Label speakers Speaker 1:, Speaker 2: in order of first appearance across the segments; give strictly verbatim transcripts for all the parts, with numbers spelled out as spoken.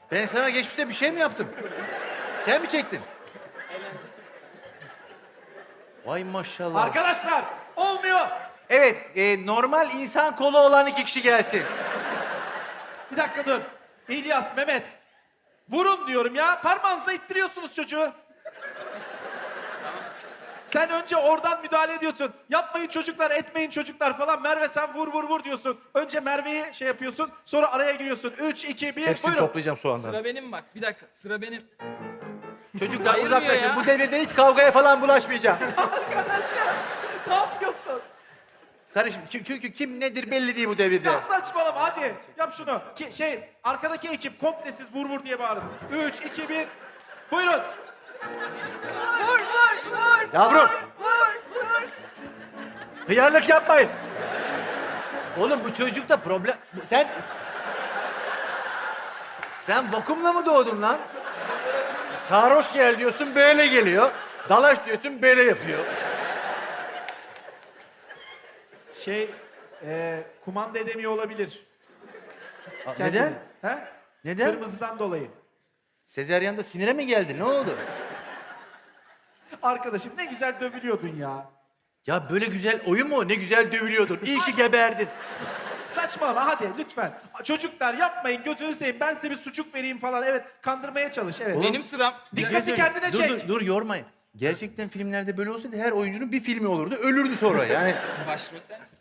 Speaker 1: Ben sana geçmişte bir şey mi yaptım? Sen mi çektin? Vay maşallah.
Speaker 2: Arkadaşlar olmuyor.
Speaker 1: Evet, e, normal insan kolu olan iki kişi gelsin.
Speaker 2: Bir dakika dur. İlyas, Mehmet. Vurun diyorum ya. Parmağınıza ittiriyorsunuz çocuğu. Sen önce oradan müdahale ediyorsun. Yapmayın çocuklar, etmeyin çocuklar falan. Merve sen vur vur vur diyorsun. Önce Merve'yi şey yapıyorsun. Sonra araya giriyorsun. Üç, iki, bir,
Speaker 1: Hepsini
Speaker 2: buyurun.
Speaker 1: toplayacağım soğandan.
Speaker 3: Sıra benim bak. Bir dakika. Sıra benim.
Speaker 1: Çocuklar
Speaker 3: Ayırmıyor
Speaker 1: uzaklaşın.
Speaker 3: ya.
Speaker 1: Bu devirde hiç kavgaya falan bulaşmayacağım.
Speaker 2: Arkadaşlar ne yapıyorsun?
Speaker 1: Kardeşim çü- çünkü kim nedir belli değil bu devirde.
Speaker 2: Ya saçmalama hadi. Yap şunu. Ki, şey arkadaki ekip komple siz vur vur diye bağırın. Üç, iki, bir. Buyurun.
Speaker 4: Vur vur vur.
Speaker 1: Yavrum.
Speaker 4: Vur vur.
Speaker 1: Hıyarlık yapmayın. Oğlum bu çocukta problem... bu- Sen... Sen vakumla mı doğdun lan? Sarhoş gel diyorsun böyle geliyor. Dalaş diyorsun böyle yapıyor.
Speaker 2: Şey e, kumanda edemiyor olabilir.
Speaker 1: Aa,
Speaker 2: Kendini.
Speaker 1: Neden?
Speaker 2: He?
Speaker 1: Neden?
Speaker 2: Kırmızıdan dolayı.
Speaker 1: Sezeryan'da sinire mi geldi? Ne oldu?
Speaker 2: Arkadaşım ne güzel dövülüyordun ya.
Speaker 1: Ya böyle güzel oyun mu? Ne güzel dövülüyordun. İyi ki geberdin.
Speaker 2: Saçmalama hadi lütfen. Çocuklar yapmayın gözünü seveyim. Ben size bir sucuk vereyim falan. Evet kandırmaya çalış. Evet.
Speaker 3: Benim sıram.
Speaker 2: Dikkati kendine
Speaker 1: dur,
Speaker 2: çek.
Speaker 1: Dur, dur yormayın. Gerçekten filmlerde böyle olsaydı her oyuncunun bir filmi olurdu. Ölürdü sonra yani.
Speaker 3: Başrol sensin.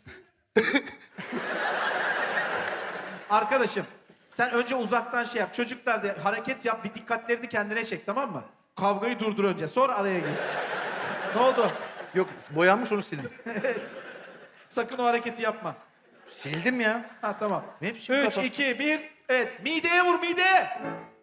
Speaker 2: Arkadaşım sen önce uzaktan şey yap. Çocuklar da hareket yap. Bir dikkatlerini kendine çek tamam mı? Kavgayı durdur önce. Sonra araya geç. Ne oldu?
Speaker 1: Yok boyanmış onu sildim.
Speaker 2: Sakın o hareketi yapma.
Speaker 1: Sildim ya.
Speaker 2: Ha tamam.
Speaker 1: Ne biçim
Speaker 2: Üç,
Speaker 1: kafa?
Speaker 2: iki, bir. Evet. Mideye vur mideye.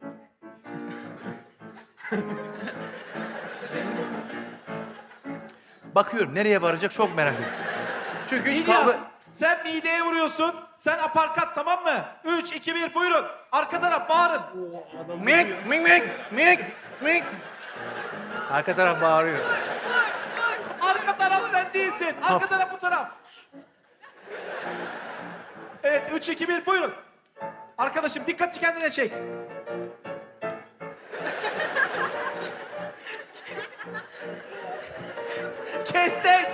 Speaker 1: Bakıyorum nereye varacak çok merak ediyorum. Çünkü hiç
Speaker 2: İlyas,
Speaker 1: kavga...
Speaker 2: sen mideye vuruyorsun. Sen aparkat tamam mı? Üç, iki, bir buyurun. Arka taraf bağırın.
Speaker 1: Mik mik mik mik mik. Arka taraf bağırıyor.
Speaker 2: Arka taraf sen değilsin. Arka
Speaker 1: Hop.
Speaker 2: taraf bu taraf. Evet üç, iki, bir buyurun. Arkadaşım dikkati kendine çek. Kestik.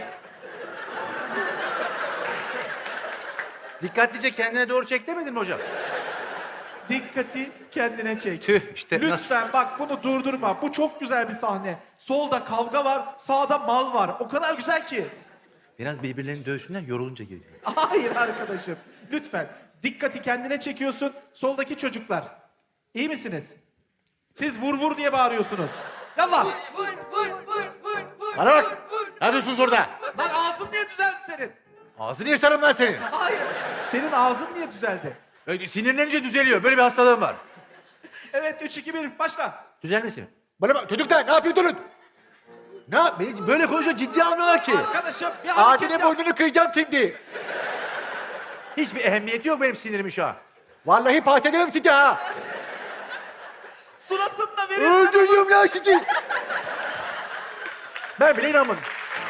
Speaker 1: Dikkatlice kendine doğru çek demedin mi hocam?
Speaker 2: Dikkati kendine çek.
Speaker 1: Tüh, işte
Speaker 2: Lütfen bak bunu durdurma. Bu çok güzel bir sahne. Solda kavga var, sağda mal var. O kadar güzel ki.
Speaker 1: Biraz birbirlerini dövsünler yorulunca geliyor.
Speaker 2: Hayır arkadaşım. Lütfen. Dikkati kendine çekiyorsun. Soldaki çocuklar. İyi misiniz? Siz vur vur diye bağırıyorsunuz. Yallah.
Speaker 4: Vur vur vur vur vur.
Speaker 1: Bana bak.
Speaker 4: Vur, vur.
Speaker 1: Ne yapıyorsunuz orada?
Speaker 2: Lan ağzın niye düzeldi senin?
Speaker 1: Ağzını yırtarım lan senin.
Speaker 2: Hayır. Senin ağzın niye düzeldi?
Speaker 1: Öyle sinirlenince düzeliyor. Böyle bir hastalığım var.
Speaker 2: Evet üç, iki, bir başla.
Speaker 1: Düzelmesin. Bana bak çocuklar ne yapıyorsunuz? Ne yap? Beni böyle konuşuyor ciddi almıyorlar ki.
Speaker 2: Arkadaşım bir hareket
Speaker 1: Adile
Speaker 2: yap.
Speaker 1: boynunu kıyacağım şimdi. Hiçbir ehemmiyeti yok benim sinirimin şu an. Vallahi patlederim sizi ha.
Speaker 2: Suratınla verirsen...
Speaker 1: Öldürüyorum lan sizi. Ben bile inanmadım.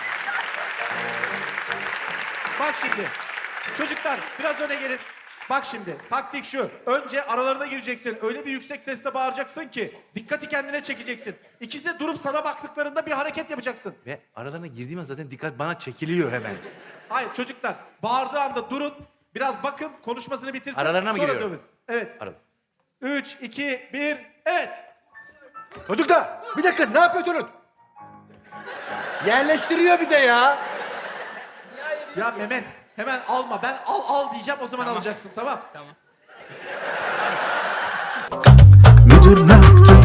Speaker 2: Bak şimdi. Çocuklar biraz öne gelin. Bak şimdi taktik şu. Önce aralarına gireceksin. Öyle bir yüksek sesle bağıracaksın ki dikkati kendine çekeceksin. İkisi de durup sana baktıklarında bir hareket yapacaksın.
Speaker 1: Ve aralarına girdiğim an zaten dikkat bana çekiliyor hemen.
Speaker 2: Hayır çocuklar bağırdığı anda durun. Biraz bakın konuşmasını bitirsin.
Speaker 1: Aralarına mı
Speaker 2: sonra
Speaker 1: giriyorum?
Speaker 2: dövün. Evet.
Speaker 1: Arada.
Speaker 2: Üç, iki, bir. Evet.
Speaker 1: Çocuklar bir dakika ne yapıyorsunuz? Yerleştiriyor bir de ya.
Speaker 2: Ya Mehmet hemen alma. Ben al al diyeceğim o zaman alacaksın tamam.
Speaker 3: Tamam.
Speaker 5: Müdür ne yaptın